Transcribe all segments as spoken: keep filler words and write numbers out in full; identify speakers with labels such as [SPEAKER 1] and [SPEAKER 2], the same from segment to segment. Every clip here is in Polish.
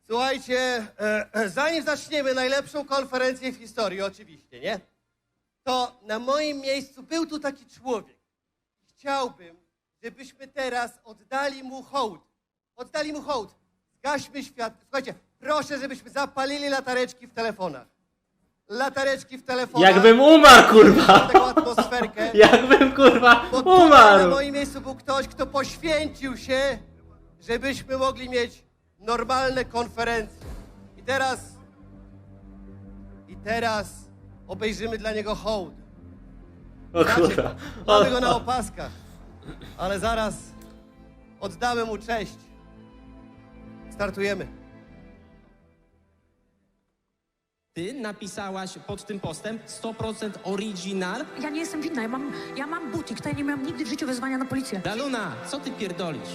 [SPEAKER 1] Słuchajcie, e, e, zanim zaczniemy najlepszą konferencję w historii, oczywiście, nie? To na moim miejscu był tu taki człowiek. Chciałbym, żebyśmy teraz oddali mu hołd. Oddali mu hołd. Zgaśmy świat. Słuchajcie, proszę, żebyśmy zapalili latareczki w telefonach. Latareczki w telefonach.
[SPEAKER 2] Jakbym umarł, kurwa!
[SPEAKER 1] Taką atmosferkę.
[SPEAKER 2] Jakbym, kurwa,
[SPEAKER 1] Bo tutaj na
[SPEAKER 2] umarł!
[SPEAKER 1] moim miejscu był ktoś, kto poświęcił się, żebyśmy mogli mieć normalne konferencje. I teraz... I teraz obejrzymy dla niego hołd.
[SPEAKER 2] O kurwa.
[SPEAKER 1] Mamy go na opaskach, ale zaraz oddamy mu cześć. Startujemy.
[SPEAKER 3] Ty napisałaś pod tym postem sto procent oryginal?
[SPEAKER 4] Ja nie jestem winna, ja mam, ja mam butik, to ja nie miałam nigdy w życiu wezwania na policję.
[SPEAKER 3] Daluna, co ty pierdolisz?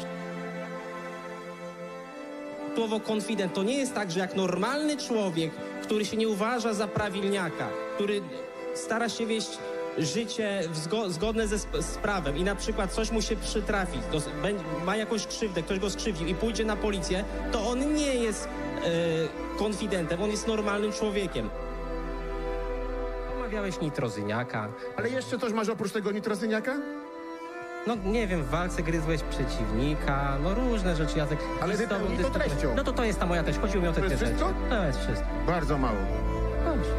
[SPEAKER 3] Słowo konfident to nie jest tak, że jak normalny człowiek, który się nie uważa za prawilniaka, który stara się wieść życie w zgo zgodne ze sp z prawem i na przykład coś mu się przytrafi, dos ma jakąś krzywdę, ktoś go skrzywdził i pójdzie na policję, to on nie jest e, konfidentem, on jest normalnym człowiekiem. Omawiałeś nitrozyniaka.
[SPEAKER 5] Ale jeszcze coś masz oprócz tego nitrozyniaka?
[SPEAKER 3] No nie wiem, w walce gryzłeś przeciwnika, no różne rzeczy, Jacek.
[SPEAKER 5] Ale
[SPEAKER 3] I z tobą
[SPEAKER 5] wypełnij to
[SPEAKER 3] dyskutuję.
[SPEAKER 5] treścią.
[SPEAKER 3] No to to jest ta moja treść, chodziło mi o te
[SPEAKER 5] To jest
[SPEAKER 3] dwie rzeczy.
[SPEAKER 5] wszystko?
[SPEAKER 3] To jest wszystko.
[SPEAKER 5] Bardzo mało.
[SPEAKER 3] Dobrze.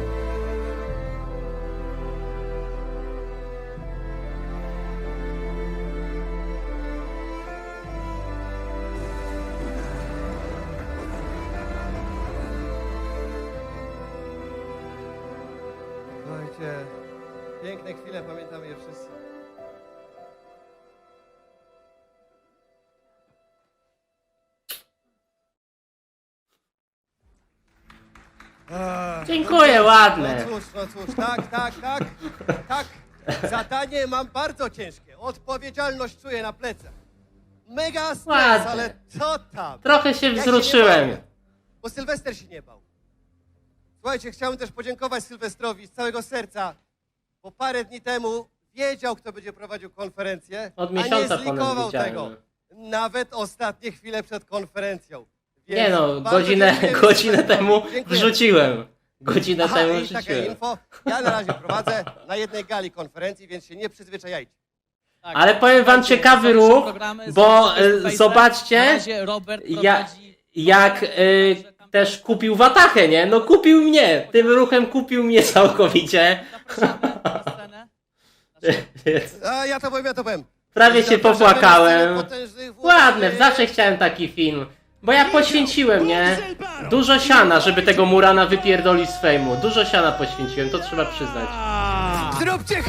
[SPEAKER 1] Słuchajcie, piękne chwile, pamiętamy je wszyscy. Ach,
[SPEAKER 2] Dziękuję,
[SPEAKER 1] no
[SPEAKER 2] ładne.
[SPEAKER 1] cóż, no cóż, tak, tak, tak, tak. Zadanie mam bardzo ciężkie. Odpowiedzialność czuję na plecach. Mega stres,
[SPEAKER 2] Ładne.
[SPEAKER 1] ale co tam?
[SPEAKER 2] Trochę się
[SPEAKER 1] Ja nie
[SPEAKER 2] wzruszyłem.
[SPEAKER 1] bałem, bo Sylwester się nie bał. Słuchajcie, chciałbym też podziękować Sylwestrowi z całego serca, bo parę dni temu wiedział, kto będzie prowadził konferencję,
[SPEAKER 2] Od
[SPEAKER 1] a nie
[SPEAKER 2] miesiąca ponad
[SPEAKER 1] zlikował
[SPEAKER 2] widziałem.
[SPEAKER 1] tego. Nawet ostatnie chwile przed konferencją. Więc
[SPEAKER 2] Nie no,
[SPEAKER 1] bardzo
[SPEAKER 2] godzinę,
[SPEAKER 1] dziękujemy
[SPEAKER 2] godzinę
[SPEAKER 1] Sylwestrowi.
[SPEAKER 2] temu
[SPEAKER 1] Dziękuję.
[SPEAKER 2] wrzuciłem. Godzinę
[SPEAKER 1] Aha,
[SPEAKER 2] temu
[SPEAKER 1] i takie
[SPEAKER 2] wrzuciłem.
[SPEAKER 1] info. Ja na razie prowadzę na jednej gali konferencji, więc się nie przyzwyczajajcie.
[SPEAKER 6] Tak.
[SPEAKER 2] Ale powiem wam
[SPEAKER 6] Słuchajcie,
[SPEAKER 2] ciekawy
[SPEAKER 6] są
[SPEAKER 2] ruch,
[SPEAKER 6] programy, są
[SPEAKER 2] bo
[SPEAKER 6] face to
[SPEAKER 2] e,
[SPEAKER 6] face.
[SPEAKER 2] zobaczcie,
[SPEAKER 6] Na razie Robert
[SPEAKER 2] ja,
[SPEAKER 6] prowadzi-
[SPEAKER 2] jak e, też kupił watachę, nie? No kupił mnie, tym ruchem kupił mnie całkowicie.
[SPEAKER 6] Zapraszamy na scenę.
[SPEAKER 1] A ja to powiem, ja to powiem.
[SPEAKER 2] Prawie się
[SPEAKER 1] Zapraszamy
[SPEAKER 2] popłakałem.
[SPEAKER 1] na scenę potężnych włóczych.
[SPEAKER 2] Ładne, zawsze chciałem taki film. Bo ja poświęciłem, nie? Dużo siana, żeby tego Murana wypierdolić z fejmu. Dużo siana poświęciłem, to trzeba przyznać.
[SPEAKER 1] Zróbcie